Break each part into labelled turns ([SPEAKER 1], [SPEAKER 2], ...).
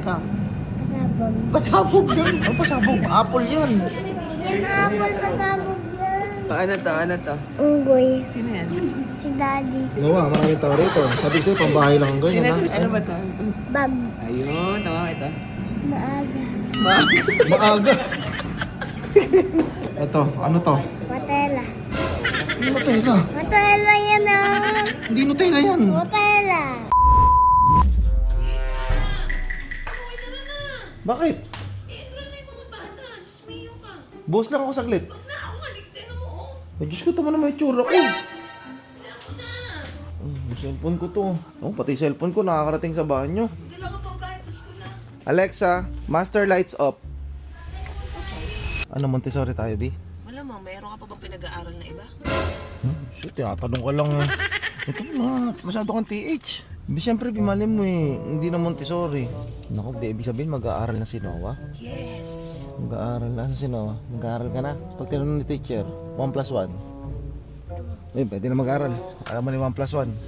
[SPEAKER 1] ito?
[SPEAKER 2] Pasabog.
[SPEAKER 1] Pasabog yun.
[SPEAKER 3] Ano pasabog? Apple yan.
[SPEAKER 2] Yung apple pasabog yan.
[SPEAKER 1] Ano to? Ano to?
[SPEAKER 2] Unggoy.
[SPEAKER 1] Sino yan?
[SPEAKER 2] Si Daddy.
[SPEAKER 3] Gawa, maraming tao rito. Sabi sa'yo, pambahay lang ang
[SPEAKER 1] Sino
[SPEAKER 3] ganyan,
[SPEAKER 1] to?
[SPEAKER 3] ha?
[SPEAKER 1] Ano ba to?
[SPEAKER 2] Bag.
[SPEAKER 1] Ayun, tama ka ito.
[SPEAKER 2] Maaga.
[SPEAKER 3] Maaga. Ito, ano to?
[SPEAKER 2] Nutella.
[SPEAKER 3] Nutella.
[SPEAKER 2] Nutella yan ah.
[SPEAKER 3] Hindi Nutella yan.
[SPEAKER 2] Nutella.
[SPEAKER 3] Bakit? Boss lang ako saglit. Ay, Diyos ko, tama na may tsura ko. Yung cellphone ko to. Oh, pati cellphone ko nakakarating sa bahay nyo. Alexa, master lights up. Ano, Montessori tayo, B?
[SPEAKER 1] Wala mo, mayroon ka pa bang pinag-aaral na iba?
[SPEAKER 3] Shit, tinatanong ka lang. Ito na, masyado kang TH. Siyempre, bimalim mo eh. Hindi na Montessori. Naku, di ibig sabihin mag-aaral na si Noah?
[SPEAKER 1] Yes.
[SPEAKER 3] Mag-aaral na si Noah. Mag-aaral ka na. Pag tinanong ni teacher, 1 plus 1. Eh, pwede na mag-aaral. Alam mo ni 1 plus 1.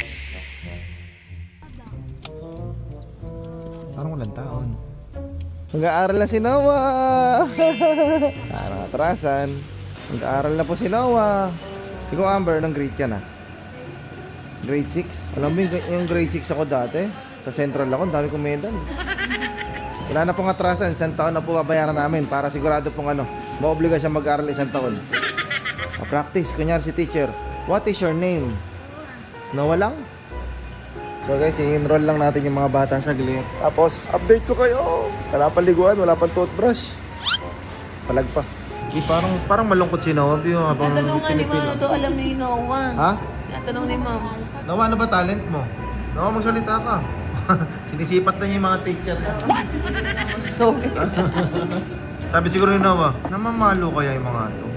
[SPEAKER 3] Parang walang taon. Mag-aaral na si Noah! Parang atrasan. Mag-aaral na po si Noah. Ikaw, Amber, ng grade ka na? Grade 6? Alam mo yung grade 6 ako dati? Sa Central ako, ang dami kong medal. Wala na pong atrasan, isang taon na po babayaran namin para sigurado pong maobliga siya mag-aral isang taon. Practice, kunyari si teacher, what is your name? Noah lang? So guys, i-enroll lang natin yung mga bata saglit. Tapos, update ko kayo. Wala pang liguan, wala pang toothbrush. Palag pa. Parang malungkot si Noah, Bio.
[SPEAKER 1] Tatanong nga ni Mama daw alam ni Noah.
[SPEAKER 3] Ha?
[SPEAKER 1] Tatanong ni Mama.
[SPEAKER 3] Noah, ano ba talent mo? Noah, magsalita ka. Sinisipat na niya yung mga teacher niya.
[SPEAKER 1] So,
[SPEAKER 3] Sabi siguro ni Noah, namamalo kaya yung mga to.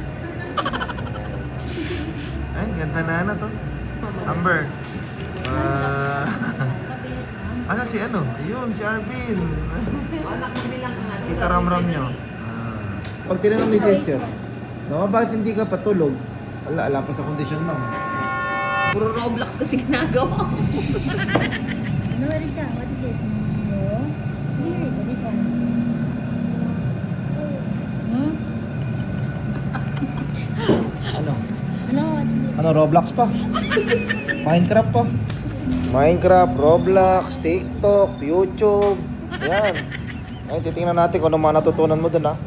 [SPEAKER 3] Ay, ganda na to. Amber. Asa si ano? Ayun, si Arvin. Kita ramram nyo. Pag tinanong ni teacher, Noah, bakit hindi ka patulog? Ala pa sa kondisyon lang.
[SPEAKER 1] puro Roblox kasi ginagawa ko.
[SPEAKER 2] Ano rin ka? What is this? No? Hindi rin. This one. Hmm?
[SPEAKER 3] Ano?
[SPEAKER 2] Ano? What's this?
[SPEAKER 3] Ano, Roblox pa? Minecraft pa? Minecraft, Roblox, TikTok, YouTube. Ayan. Ay, titingnan natin kung ano mga natutunan mo dun, ha?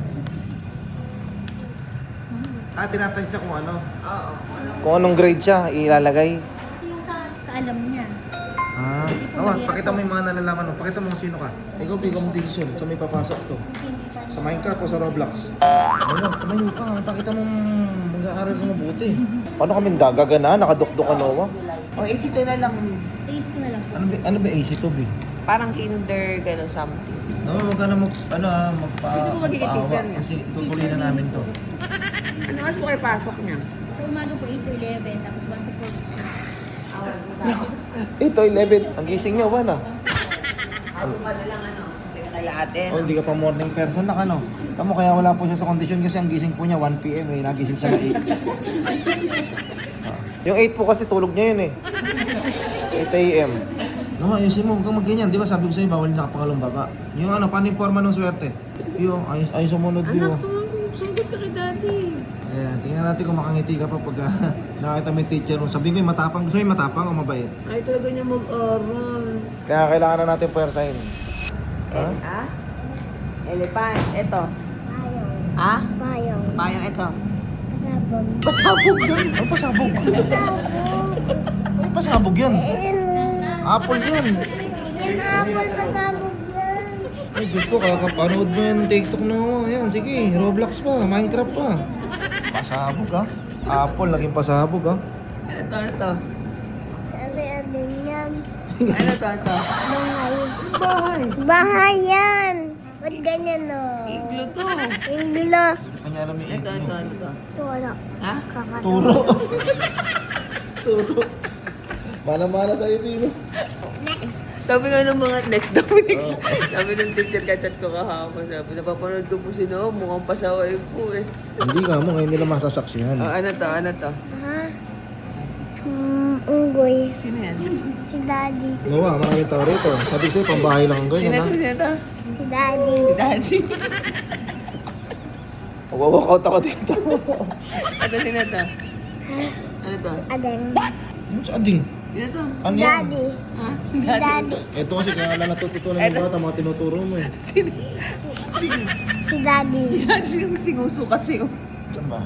[SPEAKER 3] Tinatansya kung ano.
[SPEAKER 1] Oo.
[SPEAKER 3] Kung anong grade siya, ilalagay.
[SPEAKER 2] Kasi yung sa alam niya.
[SPEAKER 3] Pakita mo yung mga nalalaman mo. Pakita mo kung sino ka. Ikaw, bigyan mo decision. Saan may papasok to? Sa Minecraft o sa Roblox? Ano, tumayo ka. Pakita mo mag-aaral ka mabuti. Paano kami gagana? Nakadukdok ka, Noah?
[SPEAKER 1] O, AC2 na lang.
[SPEAKER 2] Sa is ko na lang.
[SPEAKER 3] Ano ba AC to, B?
[SPEAKER 1] Parang kinder, gano'n something.
[SPEAKER 3] No, wag ka na
[SPEAKER 1] Sino ba magiging teacher niya?
[SPEAKER 3] Kasi itutuloy na namin to.
[SPEAKER 1] Ano kasi po kayo pasok niya?
[SPEAKER 2] Sa umaga po 8 to 11, tapos 1 to 4.
[SPEAKER 3] Ito, 11. Ang gising niya, wala.
[SPEAKER 1] Ako pa na lang hindi ka kailatin.
[SPEAKER 3] Hindi ka pa morning person na ano. Tamo kaya wala po siya sa kondisyon kasi ang gising po niya 1 PM eh. Nagising siya na 8. Yung 8 po kasi tulog niya yun eh. 8 AM. No, ayusin mo, huwag kang magganyan. Di ba sabi ko sa'yo, bawal nakapangalong baba. Yung paano yung forma ng swerte? Yung, ayos sumunod yun.
[SPEAKER 1] Anak, sumunod ka kay daddy.
[SPEAKER 3] Ayan, tingnan natin kung makangiti ka pa pag nakita mo yung teacher mo. Sabihin ko yung matapang. Gusto mo yung matapang o mabait?
[SPEAKER 1] Ay, talaga niya mag-aral.
[SPEAKER 3] Kaya kailangan na natin puwersahin. Ha?
[SPEAKER 1] Ah? Elephant. Ito.
[SPEAKER 2] Payong.
[SPEAKER 1] Ah?
[SPEAKER 2] Payong.
[SPEAKER 1] Payong ito.
[SPEAKER 2] Pasabog.
[SPEAKER 1] Pasabog yun.
[SPEAKER 3] Ano pasabog? Ano pasabog yan? Apple yan.
[SPEAKER 2] Yung apple pasabog yan.
[SPEAKER 3] Ay, Diyos ko, kakapanood mo yung TikTok na mo. Ayan, sige, Roblox pa, Minecraft pa. Pasabog ha? Apple, naging pasabog ha?
[SPEAKER 1] Ito.
[SPEAKER 2] Sabi-abing yan.
[SPEAKER 1] Ano to?
[SPEAKER 2] Bahay.
[SPEAKER 1] Bahay.
[SPEAKER 2] Bahay yan. Ba't ganyan no?
[SPEAKER 1] Iglo to.
[SPEAKER 2] Inglo.
[SPEAKER 3] Kanya alam yung
[SPEAKER 1] Ito.
[SPEAKER 2] Turo.
[SPEAKER 1] Ha?
[SPEAKER 3] Turo. Turo. Mana-mana sa'yo, Pino.
[SPEAKER 1] Sabi nga ng mga next Dominic. Sabi ng teacher, kachat ko kahapon. Sabi, napapanood ko po si Noah, mukhang pasaway po eh.
[SPEAKER 3] Hindi ka mo, ngayon nila masasaksihan.
[SPEAKER 1] Ano to?
[SPEAKER 2] Ha? unggoy.
[SPEAKER 1] Sino yan?
[SPEAKER 2] Si Daddy.
[SPEAKER 3] Noah, maraming tao rito. Sabi ko sa'yo, pambahay lang ang
[SPEAKER 1] Sino
[SPEAKER 3] ganyan,
[SPEAKER 1] to?
[SPEAKER 3] ha?
[SPEAKER 1] Sino to?
[SPEAKER 2] Si Daddy.
[SPEAKER 1] Si Daddy.
[SPEAKER 3] Mag-walk out ako dito.
[SPEAKER 1] Ito, sino to? Ano to?
[SPEAKER 2] Adeng.
[SPEAKER 3] Si Ading.
[SPEAKER 1] Sino to?
[SPEAKER 3] Ano yan?
[SPEAKER 2] Daddy.
[SPEAKER 1] Ha?
[SPEAKER 2] Si Daddy.
[SPEAKER 3] Ito kasi kaya lang natututunan ng bata, mga tinuturo mo eh.
[SPEAKER 1] Sino?
[SPEAKER 2] Si Daddy.
[SPEAKER 1] Si Daddy singuso kasi. Oh.
[SPEAKER 3] Saan ba?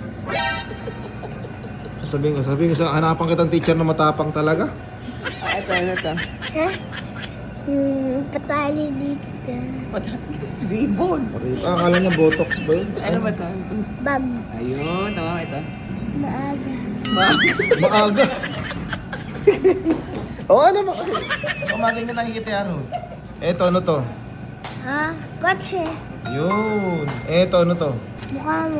[SPEAKER 3] Sabihin ko sa hanapan kitang teacher na matapang talaga.
[SPEAKER 1] Ah, ito, ano to?
[SPEAKER 2] Ha? Patali dito.
[SPEAKER 1] Ribbon.
[SPEAKER 3] Akala niya botox ba yun?
[SPEAKER 1] Ano ba to?
[SPEAKER 2] Bab.
[SPEAKER 1] Ayun, tama ito.
[SPEAKER 2] Maaga.
[SPEAKER 3] Maaga. Oo naman kasi. Umaga nga nakikita yan. oh. Eto, ano to?
[SPEAKER 2] Ha? Kotse.
[SPEAKER 3] Yun. Eto, ano to?
[SPEAKER 2] Mukha mo.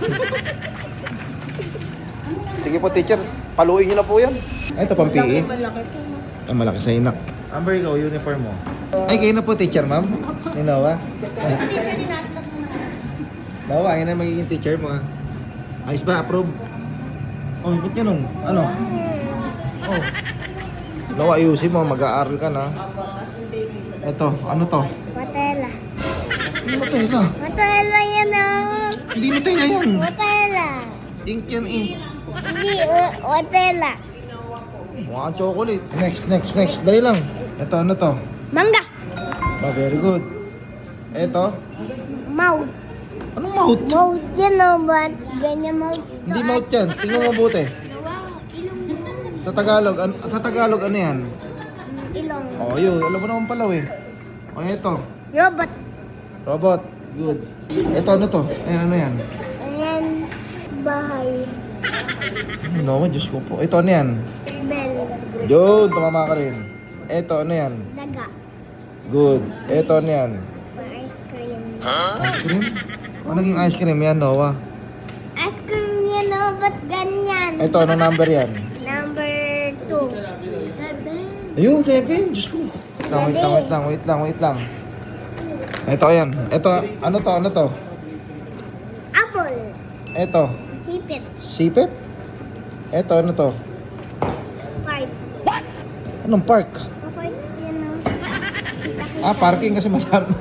[SPEAKER 3] Sige po, teachers. Paluin niyo na po yan. Eto, pang PE.
[SPEAKER 1] Malaki po.
[SPEAKER 3] Ang malaki sa inak. Amber, ikaw, uniform mo. Ay, kayo na po, teacher, ma'am. Ni Noah.
[SPEAKER 2] Teacher din natin na
[SPEAKER 3] Noah, ayun na magiging teacher mo, ha. Ayos ba? Approve? Oh, ba't ganun? Ano? Oh. Noah, ayusin mo. Mag-aaral ka na. Eto, ano to?
[SPEAKER 2] Watela.
[SPEAKER 3] Matela.
[SPEAKER 2] Watela yan oh.
[SPEAKER 3] Hindi matela yan.
[SPEAKER 2] Watela.
[SPEAKER 3] Ink yan, ink.
[SPEAKER 2] Hindi, watela.
[SPEAKER 3] Mukha kang chocolate. Next. Dali lang. Eto, ano to?
[SPEAKER 2] Mangga.
[SPEAKER 3] Very good. Eto.
[SPEAKER 2] Mouth.
[SPEAKER 3] Anong mouth?
[SPEAKER 2] Mouth yan oh, ba't ganyan mouth?
[SPEAKER 3] Hindi mouth yan. Tingnan mo mabuti. Sa Tagalog, ano yan?
[SPEAKER 2] Ilong.
[SPEAKER 3] Oh, yun. Alam mo naman pala, eh. Oh, eto.
[SPEAKER 2] Robot.
[SPEAKER 3] Robot. Good. Eto, ano to? Ayan, ano yan?
[SPEAKER 2] Ayan. Bahay.
[SPEAKER 3] Ay, no, Diyos ko po. Ito, ano yan?
[SPEAKER 2] Bell.
[SPEAKER 3] Yun, tumama ka rin. Eto, ano yan?
[SPEAKER 2] Daga.
[SPEAKER 3] Good. Eto, ano yan?
[SPEAKER 2] Ice cream.
[SPEAKER 3] Ice cream? Ano naging ice cream yan, Noah?
[SPEAKER 2] Ice cream yan oh, ba't ganyan?
[SPEAKER 3] Ito, anong number yan?
[SPEAKER 2] Number 2. 7.
[SPEAKER 3] Ayun, 7. Diyos ko. Wait lang. Ito, ayan. Ito, ano to?
[SPEAKER 2] Apple.
[SPEAKER 3] Ito,
[SPEAKER 2] Sipit.
[SPEAKER 3] sipit? Ito, ano to?
[SPEAKER 2] Park.
[SPEAKER 3] Anong park?
[SPEAKER 2] Park yan oh.
[SPEAKER 3] Ah, parking kasi madami.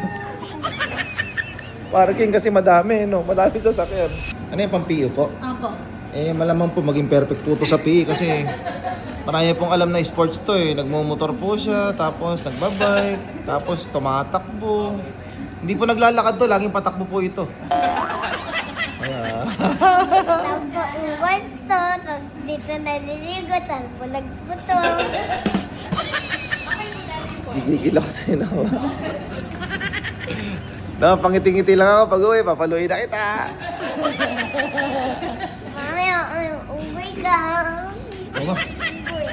[SPEAKER 3] Parking kasi madami, no? Madami sasakyan. Ano yung pang PE po?
[SPEAKER 2] Ako.
[SPEAKER 3] Eh, malamang po maging perfect po to sa PE kasi marami pong alam na sports to eh. Nagmumotor po siya, tapos nagbabike, tapos tumatakbo. Hindi po naglalakad to, laging patakbo po ito. Kaya,
[SPEAKER 2] Tapos unggoy to, tapos dito naliligo, tapos bulag ko to.
[SPEAKER 3] gigigil ako sa'yo na. No, pangiti-ngiti lang ako pag-uwi, papaluin na kita.
[SPEAKER 2] Mamaya, unggoy ka.
[SPEAKER 3] Ano?
[SPEAKER 2] Unggoy.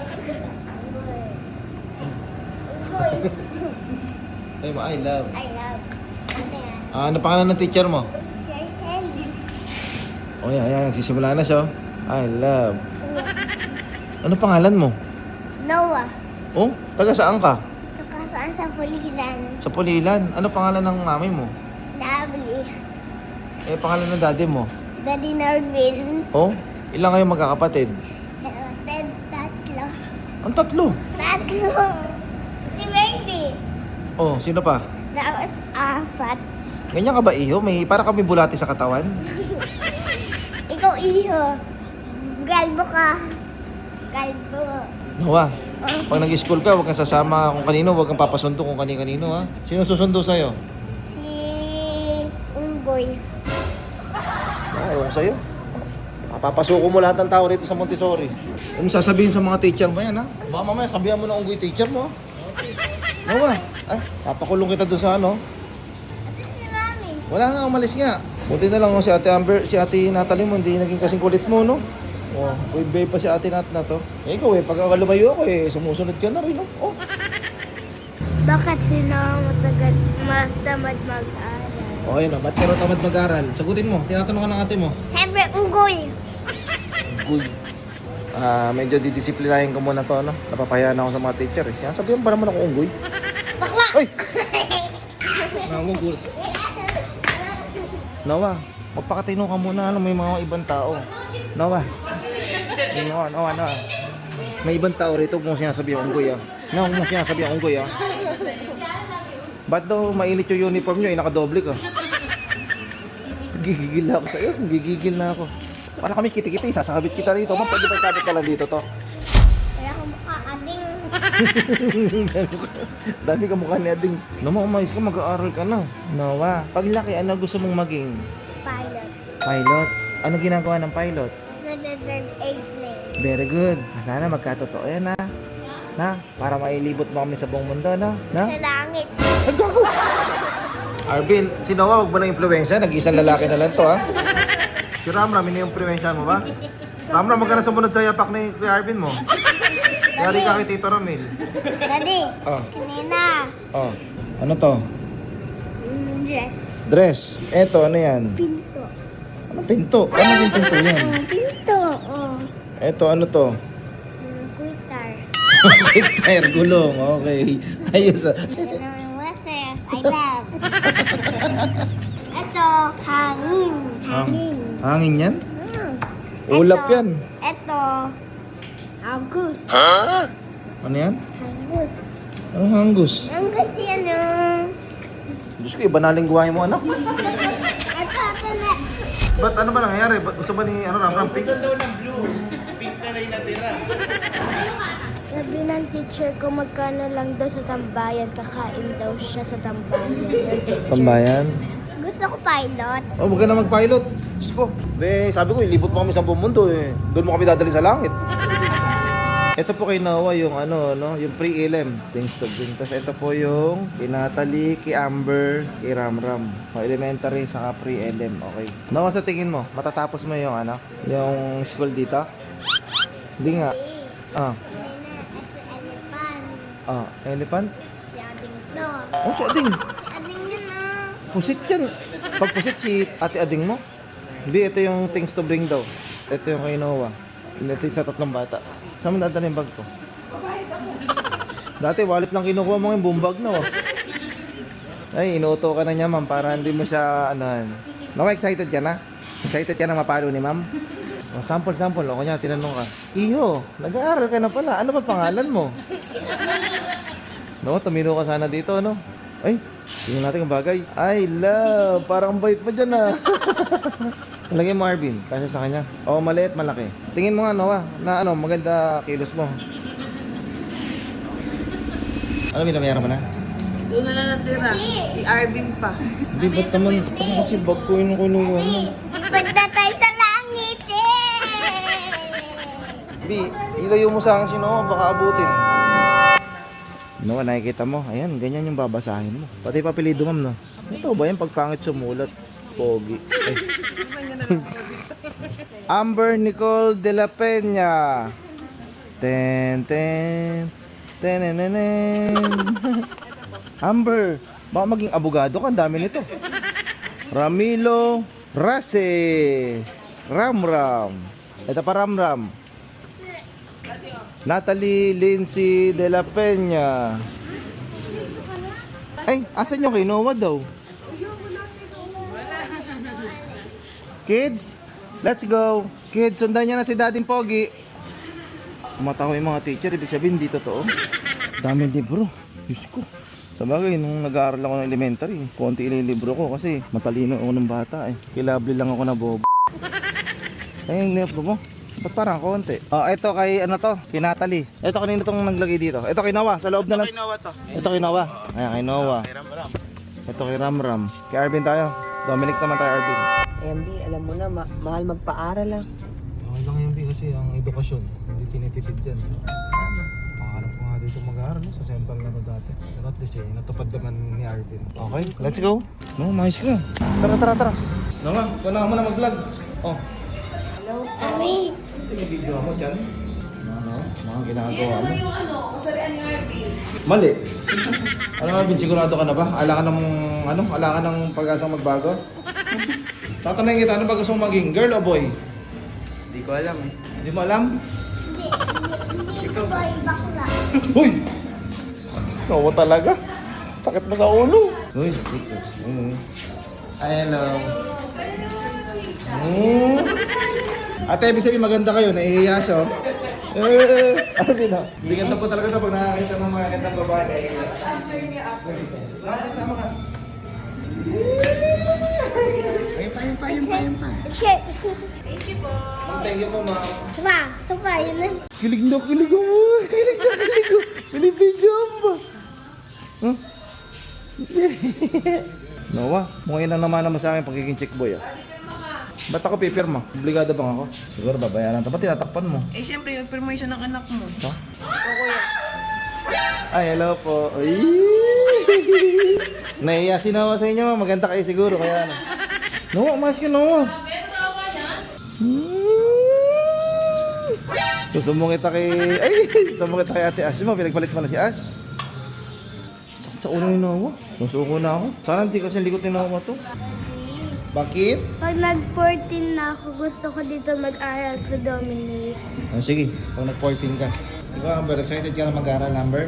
[SPEAKER 2] Unggoy.
[SPEAKER 3] Sabi mo, I love.
[SPEAKER 2] I love. Ate nga.
[SPEAKER 3] Ah, ano pangalan ng teacher mo?
[SPEAKER 2] Teacher Shelly.
[SPEAKER 3] Oh, yan, nagsisimula na siya. I love. Ano pangalan mo?
[SPEAKER 2] Noah.
[SPEAKER 3] Oh, taga saan ka?
[SPEAKER 2] Nakasaan sa Pulilan.
[SPEAKER 3] Sa Pulilan. Ano pangalan ng mami mo?
[SPEAKER 2] Lovely.
[SPEAKER 3] Eh, pangalan ng daddy mo?
[SPEAKER 2] Daddy Norvin.
[SPEAKER 3] Oh, ilang kayo magkakapatid?
[SPEAKER 2] Tatlo.
[SPEAKER 3] Ang tatlo.
[SPEAKER 2] Tatlo. Si baby.
[SPEAKER 3] Oh, sino pa?
[SPEAKER 2] Tapos apat.
[SPEAKER 3] Ganyan ka ba, iho? May para kami bulati sa katawan?
[SPEAKER 2] Ikaw iho. Galbo ka. Galbo.
[SPEAKER 3] Noah,
[SPEAKER 2] Oh,
[SPEAKER 3] pag nag-school ka, huwag kang sasama kung kanino, huwag kang papasundo kung kanino, ha? Sino susundo sa'yo?
[SPEAKER 2] si Unggoy.
[SPEAKER 3] Ewan ko sa'yo. Papasuko mo lahat ng tao rito sa Montessori. Ano sasabihin sa mga teacher mo yan, ha? Baka mamaya sabihan mo na unggoy teacher mo, ha? Noah, ay, papakulong kita doon sa ano?
[SPEAKER 2] Si Mami.
[SPEAKER 3] Wala nga, umalis nga. Buti na lang si Ate Amber, si Ate Natalie mo, hindi naging kasing kulit mo, no? Oh, babe pa si Ate Nat na to. Eh, ikaw pag lumayo ako sumusunod ka na rin, no? Oh.
[SPEAKER 2] Bakit sino matagal tamad mag-aral?
[SPEAKER 3] Oh, ayun, ba't ka raw tamad mag-aral? Sagutin mo, tinatanong ka ng ate mo.
[SPEAKER 2] Siyempre, unggoy.
[SPEAKER 3] Good. Medyo didisiplinahin ko muna to, ano? Napapahayaan ako sa mga teacher, eh. Sinasabihan pa naman ako unggoy.
[SPEAKER 2] Bakla!
[SPEAKER 3] Ay! Nangunggul. Noah, magpakatino ka muna, ano, may mga ibang tao. Noah. Noah. May ibang tao rito kung sinasabi ang unggoy ah. No, kung sinasabi ang unggoy ah. Ba't daw mainit yung uniform nyo eh, nakadoble ka? Gigigil na ako sa'yo, gigigil na ako. Para kami kiti-kiti, sasakabit kita rito. Ma'am, pwede ba ikabit ka lang dito to?
[SPEAKER 2] Kaya ako mukha ading.
[SPEAKER 3] Dami ka mukha ni Ading. Naman, umayos ka, mag-aaral ka na. Noah, paglaki, ano gusto mong maging?
[SPEAKER 2] Pilot.
[SPEAKER 3] Pilot? Ano ginagawa ng pilot?
[SPEAKER 2] Nag-third airplane.
[SPEAKER 3] Very good. Sana magkatotoo yan ha. Na, para mailibot mo kami sa buong mundo, no? Na?
[SPEAKER 2] Sa langit.
[SPEAKER 3] Ay, gago! Arvin, si Noah, huwag mo na impluensya. Nag-iisang lalaki na lang to, ha? Si Ramram, ini yung impluensya mo ba? Ramram, huwag ka na sumunod sa yapak ni Kuya Arvin mo. Yari ka kay Tito Ramil.
[SPEAKER 2] Daddy,
[SPEAKER 3] Oh,
[SPEAKER 2] kanina.
[SPEAKER 3] oh. Ano to?
[SPEAKER 2] Dress.
[SPEAKER 3] Dress. Eto, ano yan?
[SPEAKER 2] Pinto.
[SPEAKER 3] Ano pinto? Ano yung pinto yan?
[SPEAKER 2] Pinto. Oh.
[SPEAKER 3] Eto, ano to?
[SPEAKER 2] Quitter.
[SPEAKER 3] Tire, gulong. Okay. Ayos ah.
[SPEAKER 2] Ito naman water. I love. Ito, hangin. Hangin.
[SPEAKER 3] Hangin yan?
[SPEAKER 2] Hmm.
[SPEAKER 3] Ulap
[SPEAKER 2] Ito,
[SPEAKER 3] yan.
[SPEAKER 2] Ito, hanggus.
[SPEAKER 3] Ano yan?
[SPEAKER 2] Hanggus.
[SPEAKER 3] Anong hanggus?
[SPEAKER 2] Hanggus yan oh.
[SPEAKER 3] Diyos ko, iba na lingwahe mo, anak.
[SPEAKER 2] Ito, ito na.
[SPEAKER 3] Ba't ano ba nangyayari? Gusto ba ni Ramram pink?
[SPEAKER 2] Sabi ng teacher ko magkano lang daw sa tambayan, kakain daw siya sa tambayan.
[SPEAKER 3] Tambayan?
[SPEAKER 2] Gusto ko pilot.
[SPEAKER 3] Oh, huwag ka na mag-pilot. Diyos ko. Sabi ko, ilibot mo kami sa buong mundo eh. Doon mo kami dadali sa langit. Ito po kay Noah yung yung pre-elim. Things to bring. Tapos ito po yung kay Natalie, kay Amber, kay Ramram. O, elementary, saka pre-elim. Okay. Noah, sa tingin mo, matatapos mo yung yung school dito? Hindi nga. Ah. Ah, elephant?
[SPEAKER 2] Si Ading no.
[SPEAKER 3] Oh, si Ading.
[SPEAKER 2] Ading yun ah.
[SPEAKER 3] Pusit yan. Pag pusit si Ate Ading mo. Hindi, ito yung things to bring daw. Ito yung kay Noah. Ito yung sa tatlong bata. Saan mo dadala yung bag ko? Dati wallet lang kinukuha mo yung buong bag na oh. Ay, inuuto ka na niya ma'am para hindi mo siya Noah, excited ka na? Excited ka na mapalo ni ma'am? Oh, sample. O kanya, tinanong ka. Iyo, nag-aaral ka na pala. Ano ba pangalan mo? No, tumiro ka sana dito, no? Ay, tingnan natin ang bagay. I love. Parang bait mo dyan, ah. Lagay mo, Arvin. Kasi sa kanya. Oh, maliit, malaki. Tingin mo nga, Noah, na maganda kilos mo. Ano, binabayaran mo na?
[SPEAKER 1] Doon na lang natira. I-Arvin pa.
[SPEAKER 3] Hindi, ba't naman? Parang kasi bag ko yung kinuha mo.
[SPEAKER 2] Punta tayo sa langit eh.
[SPEAKER 3] Bi, ilayo mo sa akin si Noah, baka abutin. Noah, nakikita mo? Ayan, ganyan yung babasahin mo. Pati papilido, ma'am, no? Ito ba yung pagpangit sumulat? Pogi. Ay. Amber Nicole de la Peña. Ten. Amber, baka maging abogado ka, ang dami nito. Ramilo Rase. Ramram. Ito pa Ramram. Natalie Lindsay de la Peña. Ay, asan yung kay Noah daw? Kids, let's go. Kids, sundan niya na si Daddy Pogi. Kumatawa yung mga teacher, ibig sabihin hindi totoo. Daming libro. Diyos ko. Sa bagay, nung nag-aaral ako ng elementary, konti ililibro ko kasi matalino ako ng bata eh. Kilabli lang ako na bobo. Ay, yung libro mo. Ba't parang konti? Oh, ito kay kay Natalie. Ito kanina itong naglagay dito. Ito kay Noah, sa loob na lang. Ito kay Noah to. Ito kay Noah. Ayan, kay Noah. Ito kay Ramram. Kay Arvin tayo. Dominic naman tayo, Arvin.
[SPEAKER 1] MB, alam mo na, mahal magpaaral ah.
[SPEAKER 3] Okay lang yun, kasi ang edukasyon, hindi tinitipid dyan. Pangarap ko nga dito mag-aaral sa central na ito dati. Pero at least natupad naman ni Arvin. Okay, let's go. No, mais ka. Tara. Noah, wala mo na mag-vlog. Oh.
[SPEAKER 2] Ami.
[SPEAKER 3] Ito yung video mo dyan. Mga ginagawa mo.
[SPEAKER 1] Kasarian ni Arvin.
[SPEAKER 3] Mali. Arvin, sigurado ka na ba? Ala ka ng pag-asang magbago? Tatanungin kita, ano ba gusto mong maging? Girl o boy?
[SPEAKER 4] Hindi ko alam eh.
[SPEAKER 3] Hindi mo alam?
[SPEAKER 2] Hindi ko boy bakla.
[SPEAKER 3] Uy! Nawa talaga. Sakit mo sa ulo. Uy, Jesus. Hello. Ate, ibig sabihin maganda kayo. Naihiya siya. Arvin ha? Bigyan po talaga ito pag nakakita ng mga gandang babae. Sama ka. Thank you po, ma'am.
[SPEAKER 2] Supa, yun na.
[SPEAKER 3] Kilig na kilig mo. Kilig na kilig mo. Binibigyan ba? Huh? Noah, mukhang ilang naman sa akin pagiging chick boy ah. Ba't ako pipirma? Obligado bang ako? Siguro babayaran. Ba't tinatakpan mo?
[SPEAKER 1] Eh, siyempre, yung permission ng anak mo.
[SPEAKER 3] Ha? Ay, hello po. Ay! Naiya si Noah sa inyo, maganda kayo siguro. Kaya ano. Noah, umayos ka Noah. Susumbong kita kay... Ay! Susumbong kita kay Ate Ash mo. Pinagpalit mo na si Ash. Sa ulo ni Noah. Susuko na ako. Sana hindi kasi likot ni Noah to. Bakit?
[SPEAKER 2] Pag nag-14 na ako, gusto ko dito mag-aral sa Dominic.
[SPEAKER 3] Oh, sige, pag nag-14 ka. Ikaw, Amber, excited ka na mag-aaral, Amber?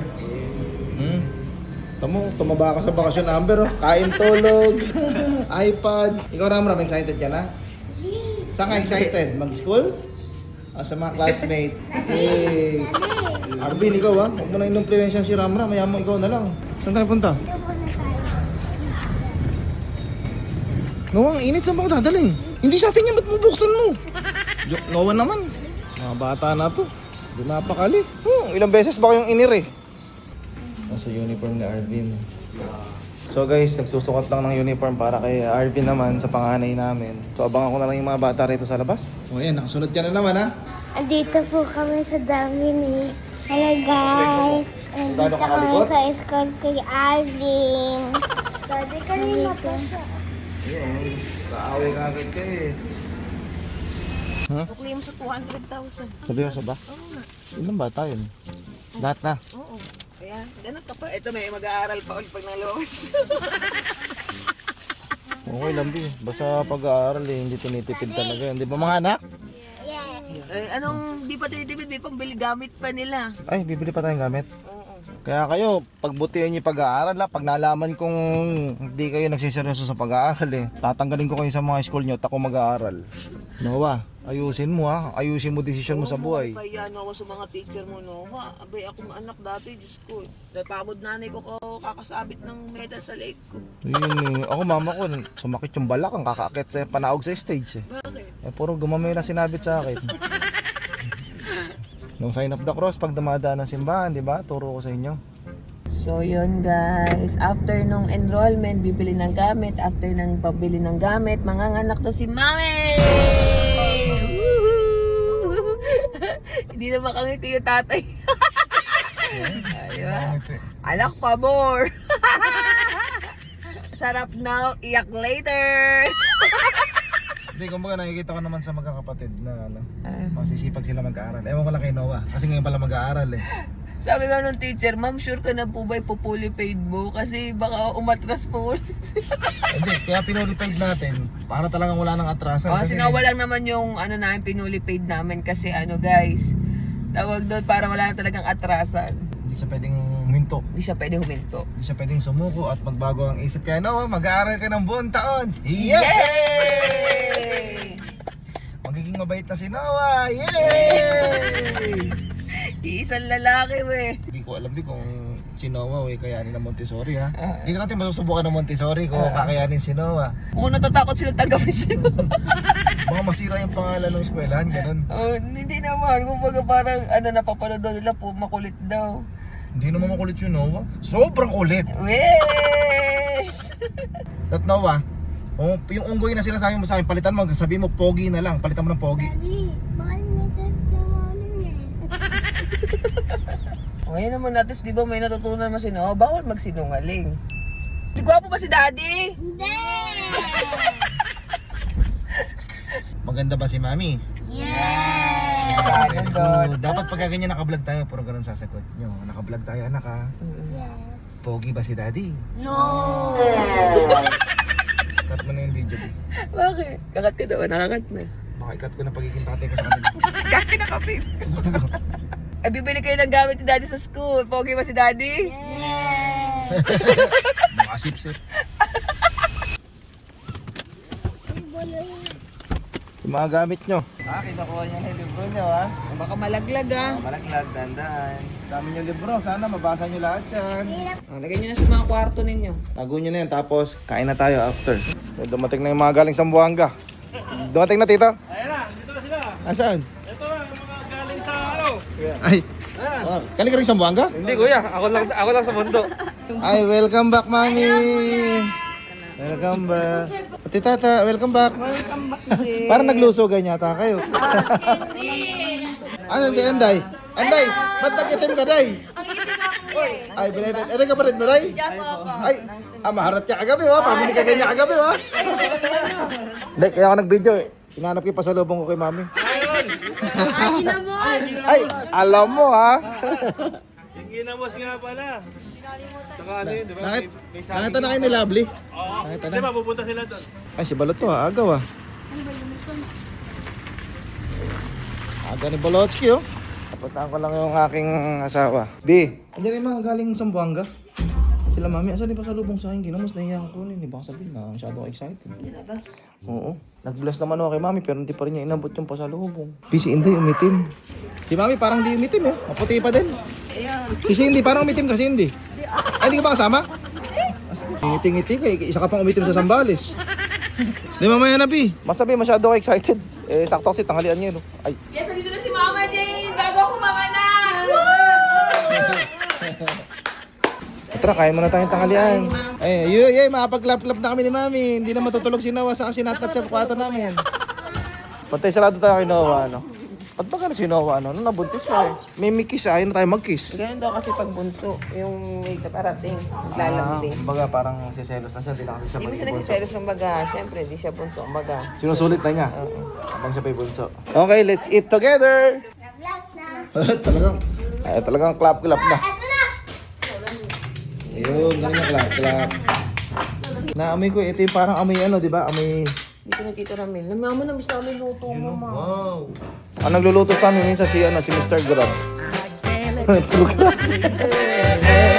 [SPEAKER 3] Tumaba ka sa bakasyon, Amber. Oh. Kain, tulog, iPad. Ikaw, Ramram, excited ka na? Saan ka excited? Mag-school? O sa mga classmate? Eh, Arvin, ikaw ha? Huwag mo na inumpluensyan si Ramram. Maya mo, ikaw na lang. Saan tayo punta?
[SPEAKER 2] Ito po na tayo.
[SPEAKER 3] Noah, ang init, saan ba ako dadaling? Hindi sa atin yan, ba't bubuksan mo? Noah naman. Mga bata na to. Hindi napakali. Ilang beses ba kayong inir eh? Nasa uniform ni Arvin. So guys, nagsusukat lang ng uniform para kay Arvin naman sa panganay namin. So abangan ko na lang yung mga bata rito sa labas. O yan, nakasunod ka na naman ha?
[SPEAKER 2] Andito po kami sa Dominic. Hello guys. Andito
[SPEAKER 3] Gaano ka
[SPEAKER 2] kami
[SPEAKER 3] kalikot?
[SPEAKER 2] sa school kay Arvin. Daddy, kanina pa siya.
[SPEAKER 3] Ayun, kaaway ka agad ka eh. Ha?
[SPEAKER 1] Sukli mo sa 200,000.
[SPEAKER 3] Sabi ko sa ba?
[SPEAKER 1] Oo nga.
[SPEAKER 3] Ilan ba tayo? Lahat na.
[SPEAKER 1] Oo. Kaya, ganun ka pa. Ito may mag-aaral pa ulit pag nalabas.
[SPEAKER 3] Okay lang bi. Basta pag-aaral eh, hindi tinitipid talaga. Hindi ba mga anak?
[SPEAKER 2] Yes.
[SPEAKER 1] Eh, anong di pa tinitipid? May pambili gamit pa nila.
[SPEAKER 3] Ay, bibili pa tayong gamit.
[SPEAKER 1] Oo.
[SPEAKER 3] Kaya kayo, pagbutihan niyo yung pag-aaral ha. Pag nalaman kong hindi kayo nagsiseryoso sa pag-aaral eh, tatanggalin ko kayo sa mga school niyo at ako mag-aaral. Noah, ayusin mo ha. Ayusin mo desisyon mo sa buhay.
[SPEAKER 1] Kaya ako sa mga teacher mo, no? Abay, ako anak dati, Diyos ko. Dahil pagod nanay ko kakasabit ng medal sa leg ko.
[SPEAKER 3] Yun eh. Ako mama ko, sumakit yung balak ang kakaakit sa panaog sa stage eh.
[SPEAKER 1] Bakit?
[SPEAKER 3] Eh puro gumamay na sinabit sa akin. Nung sign of the cross, pag dumadaan ng simbahan, di ba? Turo ko sa inyo.
[SPEAKER 1] So yun guys, after nung enrollment, bibili ng gamit. After ng pabili ng gamit, manganganak na si Mami! Woohoo! Hindi na makangiti yung tatay. Ayun. Anak pa more! Sarap now, iyak later!
[SPEAKER 3] Hindi, kumbaga nakikita ko naman sa magkakapatid na ano, masisipag sila mag-aaral. Ewan ko lang kay Noah, kasi ngayon pala mag-aaral eh.
[SPEAKER 1] Sabi nga nung teacher, ma'am, sure ka na po ba ipupuli paid mo? Kasi baka umatras po ulit.
[SPEAKER 3] Hindi, kaya pinuli-paid natin, para talagang wala nang atrasan.
[SPEAKER 1] Kasi nawalan naman yung ano namin, pinuli paid namin kasi ano guys, tawag doon para wala na talagang atrasan.
[SPEAKER 3] Hindi siya pwedeng huminto.
[SPEAKER 1] Hindi siya pwede huminto.
[SPEAKER 3] Hindi siya pwedeng sumuko at magbago ang isip. Kaya Noah, mag-aaral ka ng buong taon.
[SPEAKER 1] Yay!
[SPEAKER 3] Magiging mabait na si Noah. Yay!
[SPEAKER 1] Iisang lalaki we.
[SPEAKER 3] Hindi ko alam din kung si Noah kayanin ng Montessori ha. Hindi natin masusubukan ng Montessori kung kakayanin si Noah.
[SPEAKER 1] Kung natatakot sila tanggapin sila.
[SPEAKER 3] Baka masira yung pangalan ng eskwelahan, ganun.
[SPEAKER 1] Hindi naman. Kumbaga parang ano, napapanood daw nila po, makulit daw.
[SPEAKER 3] Hindi naman makulit yung Noah. Sobrang kulit.
[SPEAKER 1] Wey!
[SPEAKER 3] At Noah, yung unggoy na sinasabi mo sa akin, palitan mo, sabi mo pogi na lang, palitan mo ng pogi.
[SPEAKER 2] Daddy, bakit may testimony eh?
[SPEAKER 1] Ngayon naman natin, di ba may natutunan mo si Noah? Bawal magsinungaling. Di gwapo ba si Daddy?
[SPEAKER 2] Hindi!
[SPEAKER 3] Maganda ba si Mami?
[SPEAKER 2] Yes!
[SPEAKER 3] Very good. Dapat pagka ganyan naka-vlog tayo, puro ganun sasagot nyo. Naka-vlog tayo anak ha.
[SPEAKER 2] Yes!
[SPEAKER 3] Pogi ba si Daddy?
[SPEAKER 2] No!
[SPEAKER 3] Cut mo na yung video ko.
[SPEAKER 1] Bakit? Kakat ka daw, nakakat na.
[SPEAKER 3] Baka i-cut ko na pagiging tatay ko sa kanila.
[SPEAKER 1] Kaki na kapit. Ay, bibili kayo ng gamit ni Daddy sa school. Pogi ba si Daddy?
[SPEAKER 2] Yes!
[SPEAKER 3] Mga sip-sip. Yung mga gamit nyo. Kinukuha niya na yung libro nyo, ha?
[SPEAKER 1] Baka malaglag
[SPEAKER 3] Malaglag, dandaan. Dami nyo libro, sana mabasa nyo lahat yan.
[SPEAKER 1] Lagay nyo na sa mga kwarto ninyo.
[SPEAKER 3] Tago nyo na yan, tapos kain na tayo after. Dumating na yung mga galing sa Zamboanga. Dumating na, tito?
[SPEAKER 4] Ayan na, dito na sila.
[SPEAKER 3] Asan?
[SPEAKER 4] Ito na, yung mga galing sa ano.
[SPEAKER 3] Ay, galing ka rin sa Zamboanga?
[SPEAKER 4] Hindi kuya, ako lang sa mundo.
[SPEAKER 3] Ay, welcome back, mami! Welcome back. Ate tata, welcome back. Welcome back din. Parang naglusogan yata kayo. Ano, hindi, Anday? Anday, ba't nag-itim ka, Day? Ay, binitin. Ito ka pa rin, Maray? Ay, maharat ka kagabi, ha? Pamili ka ganyan kagabi, ha? Hindi, kaya ako nag-video, eh. Hinanap ko yung pasalubong ko kay mami. Ay, alam mo, ha?
[SPEAKER 4] Yung ginamos nga pala. Saka ano yun, di ba?
[SPEAKER 3] Nakita na kayo ni Lovely?
[SPEAKER 4] Oo.
[SPEAKER 3] Nakita
[SPEAKER 4] Di
[SPEAKER 3] na?
[SPEAKER 4] ba, pupunta sila doon.
[SPEAKER 3] Ay, si Balot to, ha? Agaw, ha? Aga ni Balotsky, oh. Napuntaan ko lang yung aking asawa. B, andiyan yung mga galing Zamboanga. Sila mami, asan yung pasalubong sa akin? Ginamos, nahiya ko kunin. Di ba sabihin na masyado ako excited. Oo. Nag-bless naman ako kay mami pero hindi pa rin niya inabot yung pasalubong. Si Inday umitim. Si mami parang di umitim eh. Maputi pa din. Si Cindy parang umitim ka Cindy. Ay, hindi ka ba kasama? Ngiti-ngiti ka. Isa ka pang umitim sa Sambales. Di mamaya na, B. Masabi masyado ako excited. Eh, sakto kasi tanghalian niya, no? Ay.
[SPEAKER 1] Yes, andito na si Mama Jane bago ako manganak!
[SPEAKER 3] Tara, kain muna tayong tanghalian. Ay, yay, makapag-lap-lap na kami ni Mami. Hindi na matutulog si Noah sa kasi natat sa kwarto namin. Pantay sarado tayo kay Noah, ano? Ba't ba ka na si Noah, ano? Nung nabuntis pa eh. May kiss, ayaw na tayo mag-kiss.
[SPEAKER 1] Ganun daw kasi pag bunso, yung may kaparating, naglalambing.
[SPEAKER 3] Kumbaga parang siselos na siya, hindi na kasi siya
[SPEAKER 1] Hindi mo siya
[SPEAKER 3] bunso.
[SPEAKER 1] nagsiselos ng baga. Siyempre, hindi siya bunso ang baga.
[SPEAKER 3] Sinusulit na niya. Habang siya pa'y bunso. Okay, let's eat together!
[SPEAKER 2] Vlog na.
[SPEAKER 3] talagang clap-clap na.
[SPEAKER 2] Ito na.
[SPEAKER 3] Ayun, galing na clap-clap. Naamoy ko, ito yung parang amoy ano, di ba? Amoy...
[SPEAKER 1] Dito na Tito Ramil. Mama, namiss namin luto mo, Ma.
[SPEAKER 3] Wow! Ang nagluluto sa amin minsan si Mr. Grab. Tulog na.